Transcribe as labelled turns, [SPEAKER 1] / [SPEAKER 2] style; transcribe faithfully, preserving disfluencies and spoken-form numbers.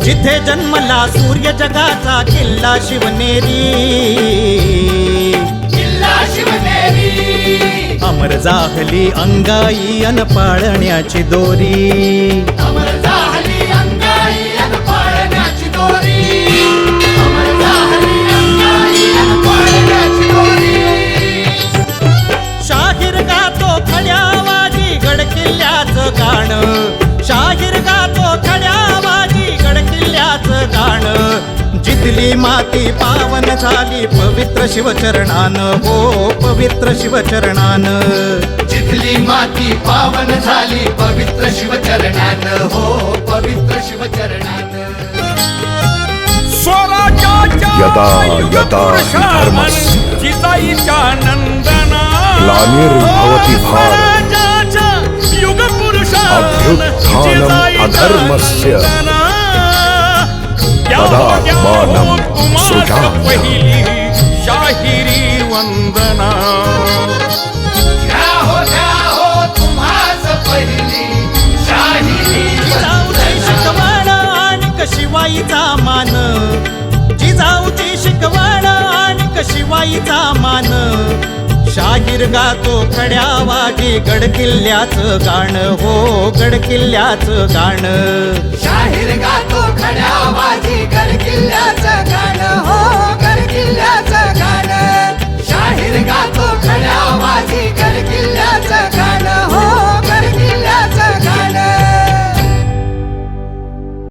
[SPEAKER 1] जिथे जन्मला सूर्य जगाचा किल्ला शिवनेरी,
[SPEAKER 2] किल्ला शिवनेरी.
[SPEAKER 1] अमर जाहली अंगाई अन पाळण्याची दोरी,
[SPEAKER 2] अमर झाली अंगाई अन पाळण्याची दोरी. अमर झाली अंगाई अन पाळण्याची दोरी.
[SPEAKER 1] शाहीर गातो खड्या वाजी गड किल्ल्याचं गाणं, शाहीर गातो खड्या वाजी गड किल्ल्याचं गाणं. जिथली माती पावन झाली पवित्र शिवचरणानं, हो पवित्र शिवचरणानं.
[SPEAKER 2] जिथली माती पावन झाली पवित्र शिवचरणानं, हो पवित्र शिवचरणानं.
[SPEAKER 3] यदा यदा हि धर्मस्य
[SPEAKER 1] जिजाईच्या नंदना
[SPEAKER 3] ग्लानिर्भवति भारत अभ्युत्थानम् अधर्मस्य तदात्मानं सृजाम्यहम्.
[SPEAKER 1] शाहिरी वंदना.
[SPEAKER 2] घ्या हो घ्या हो तुम्हास पहिली शाहिरी
[SPEAKER 1] जिजाऊची शिकवण आणि शिवाईचा मान, जिजाऊची शिकवण आणि शिवाईचा मान. शाहीर गातो खड्या वाजी गड किल्ल्याचं गाणं, हो गड किल्ल्याचं गाणं.
[SPEAKER 2] शाहीर गातो खड्या वाजी